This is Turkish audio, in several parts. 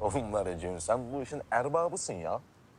Oğlum var ya Cemil, sen bu işin erbabısın ya.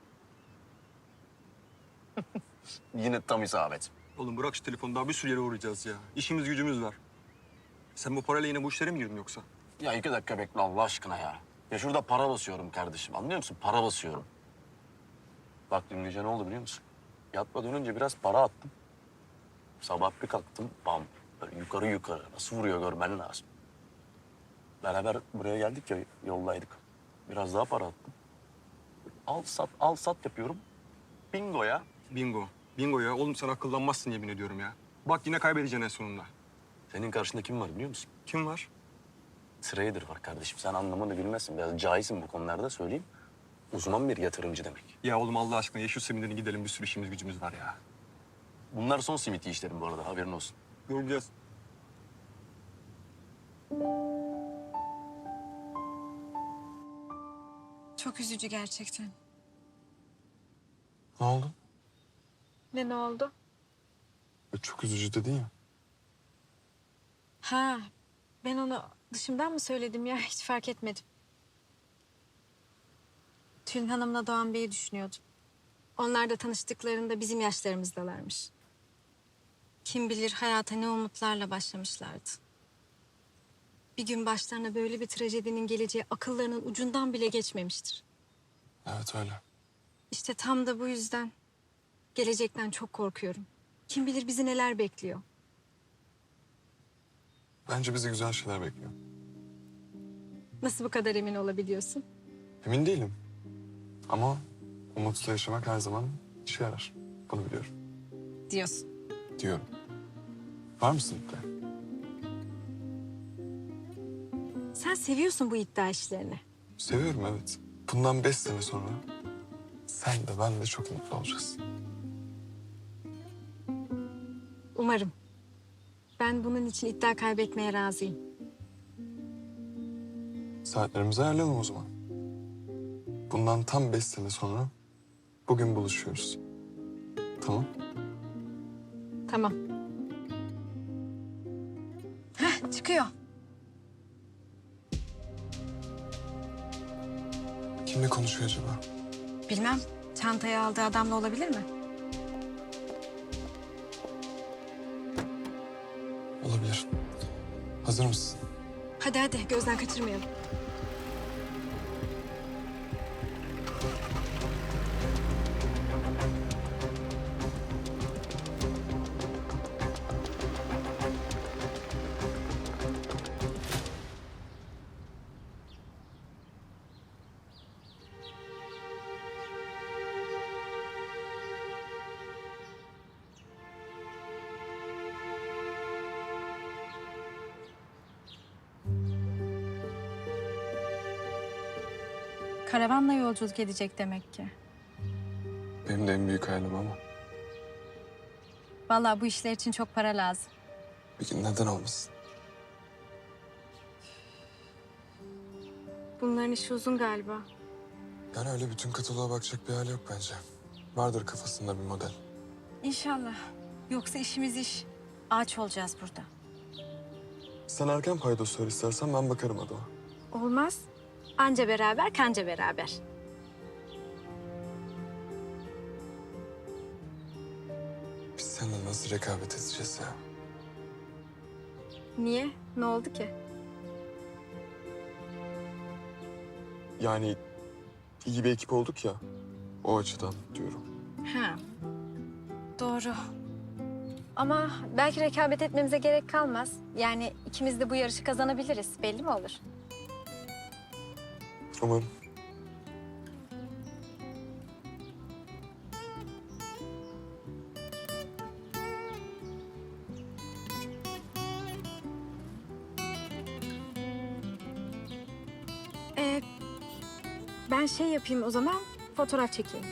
Yine tam isabet. Oğlum bırak şu telefonu, daha bir sürü yere uğrayacağız ya. İşimiz gücümüz var. Sen bu parayla yine bu işlere mi girdin yoksa? Ya 2 dakika bekle Allah aşkına ya. Ya şurada para basıyorum kardeşim, anlıyor musun? Para basıyorum. Bak dün gece ne oldu biliyor musun? Yatmadan önce biraz para attım. Sabah bir kalktım, bam. Böyle yukarı yukarı. Nasıl vuruyor görmen lazım. Beraber buraya geldik ya, yoldaydık. Biraz daha para attım. Al sat yapıyorum. Bingo ya. Bingo. Bingo ya. Oğlum sen akıllanmazsın yemin ediyorum ya. Bak yine kaybedeceksin en sonunda. Senin karşında kim var biliyor musun? Kim var? Trader var kardeşim. Sen anlamını bilmezsin. Biraz cahilsin bu konularda söyleyeyim. Uzman bir yatırımcı demek. Ya oğlum Allah aşkına ye şu seminere gidelim, bir sürü işimiz gücümüz var ya. Bunlar son simit işlerim bu arada, haberin olsun. Göreceğiz. Çok üzücü gerçekten. Ne oldu? Ne oldu? Çok üzücü dedin ya. Ha, ben onu dışımdan mı söyledim ya? Hiç fark etmedim. Tülin Hanım'la Doğan Bey'i düşünüyordum. Onlar da tanıştıklarında bizim yaşlarımızdalarmış. Kim bilir hayata ne umutlarla başlamışlardı. Bir gün başlarına böyle bir trajedinin geleceği akıllarının ucundan bile geçmemiştir. Evet öyle. İşte tam da bu yüzden gelecekten çok korkuyorum. Kim bilir bizi neler bekliyor. Bence bizi güzel şeyler bekliyor. Nasıl bu kadar emin olabiliyorsun? Emin değilim. Ama umutla yaşamak her zaman işe yarar. Bunu biliyorum. Diyorsun. Diyorum. Var mısın iddia? Sen seviyorsun bu iddia işlerini. Seviyorum evet. Bundan 5 sene sonra sen de ben de çok mutlu olacağız. Umarım. Ben bunun için iddia kaybetmeye razıyım. Saatlerimizi ayarlayalım o zaman. Bundan tam 5 sene sonra bugün buluşuyoruz. Tamam? Tamam. Heh, çıkıyor. Kimle konuşuyor acaba? Bilmem. Çantayı aldığı adamla olabilir mi? Olabilir. Hazır mısın? Hadi hadi gözden kaçırmayalım. Karavanla yolculuk edecek demek ki. Benim de en büyük hayalim ama Vallahi bu işler için çok para lazım. bir gün neden olmasın? Bunların işi uzun galiba. Yani öyle bütün kataloğa bakacak bir hali yok bence. Vardır kafasında bir model. İnşallah. Yoksa işimiz iş. Ağaç olacağız burada. Sen erken paydos söyle istersen ben bakarım adama. Olmaz. Anca beraber, kanca beraber. Biz seninle nasıl rekabet edeceğiz ya? Niye? Ne oldu ki? Yani iyi bir ekip olduk ya. O açıdan diyorum. Ha. Doğru. Ama belki rekabet etmemize gerek kalmaz. Yani ikimiz de bu yarışı kazanabiliriz. Belli mi olur? Umarım. Ben şey yapayım o zaman, fotoğraf çekeyim.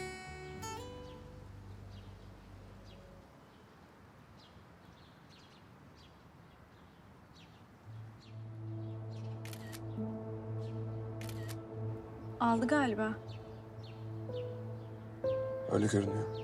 Aldı galiba. Öyle görünüyor.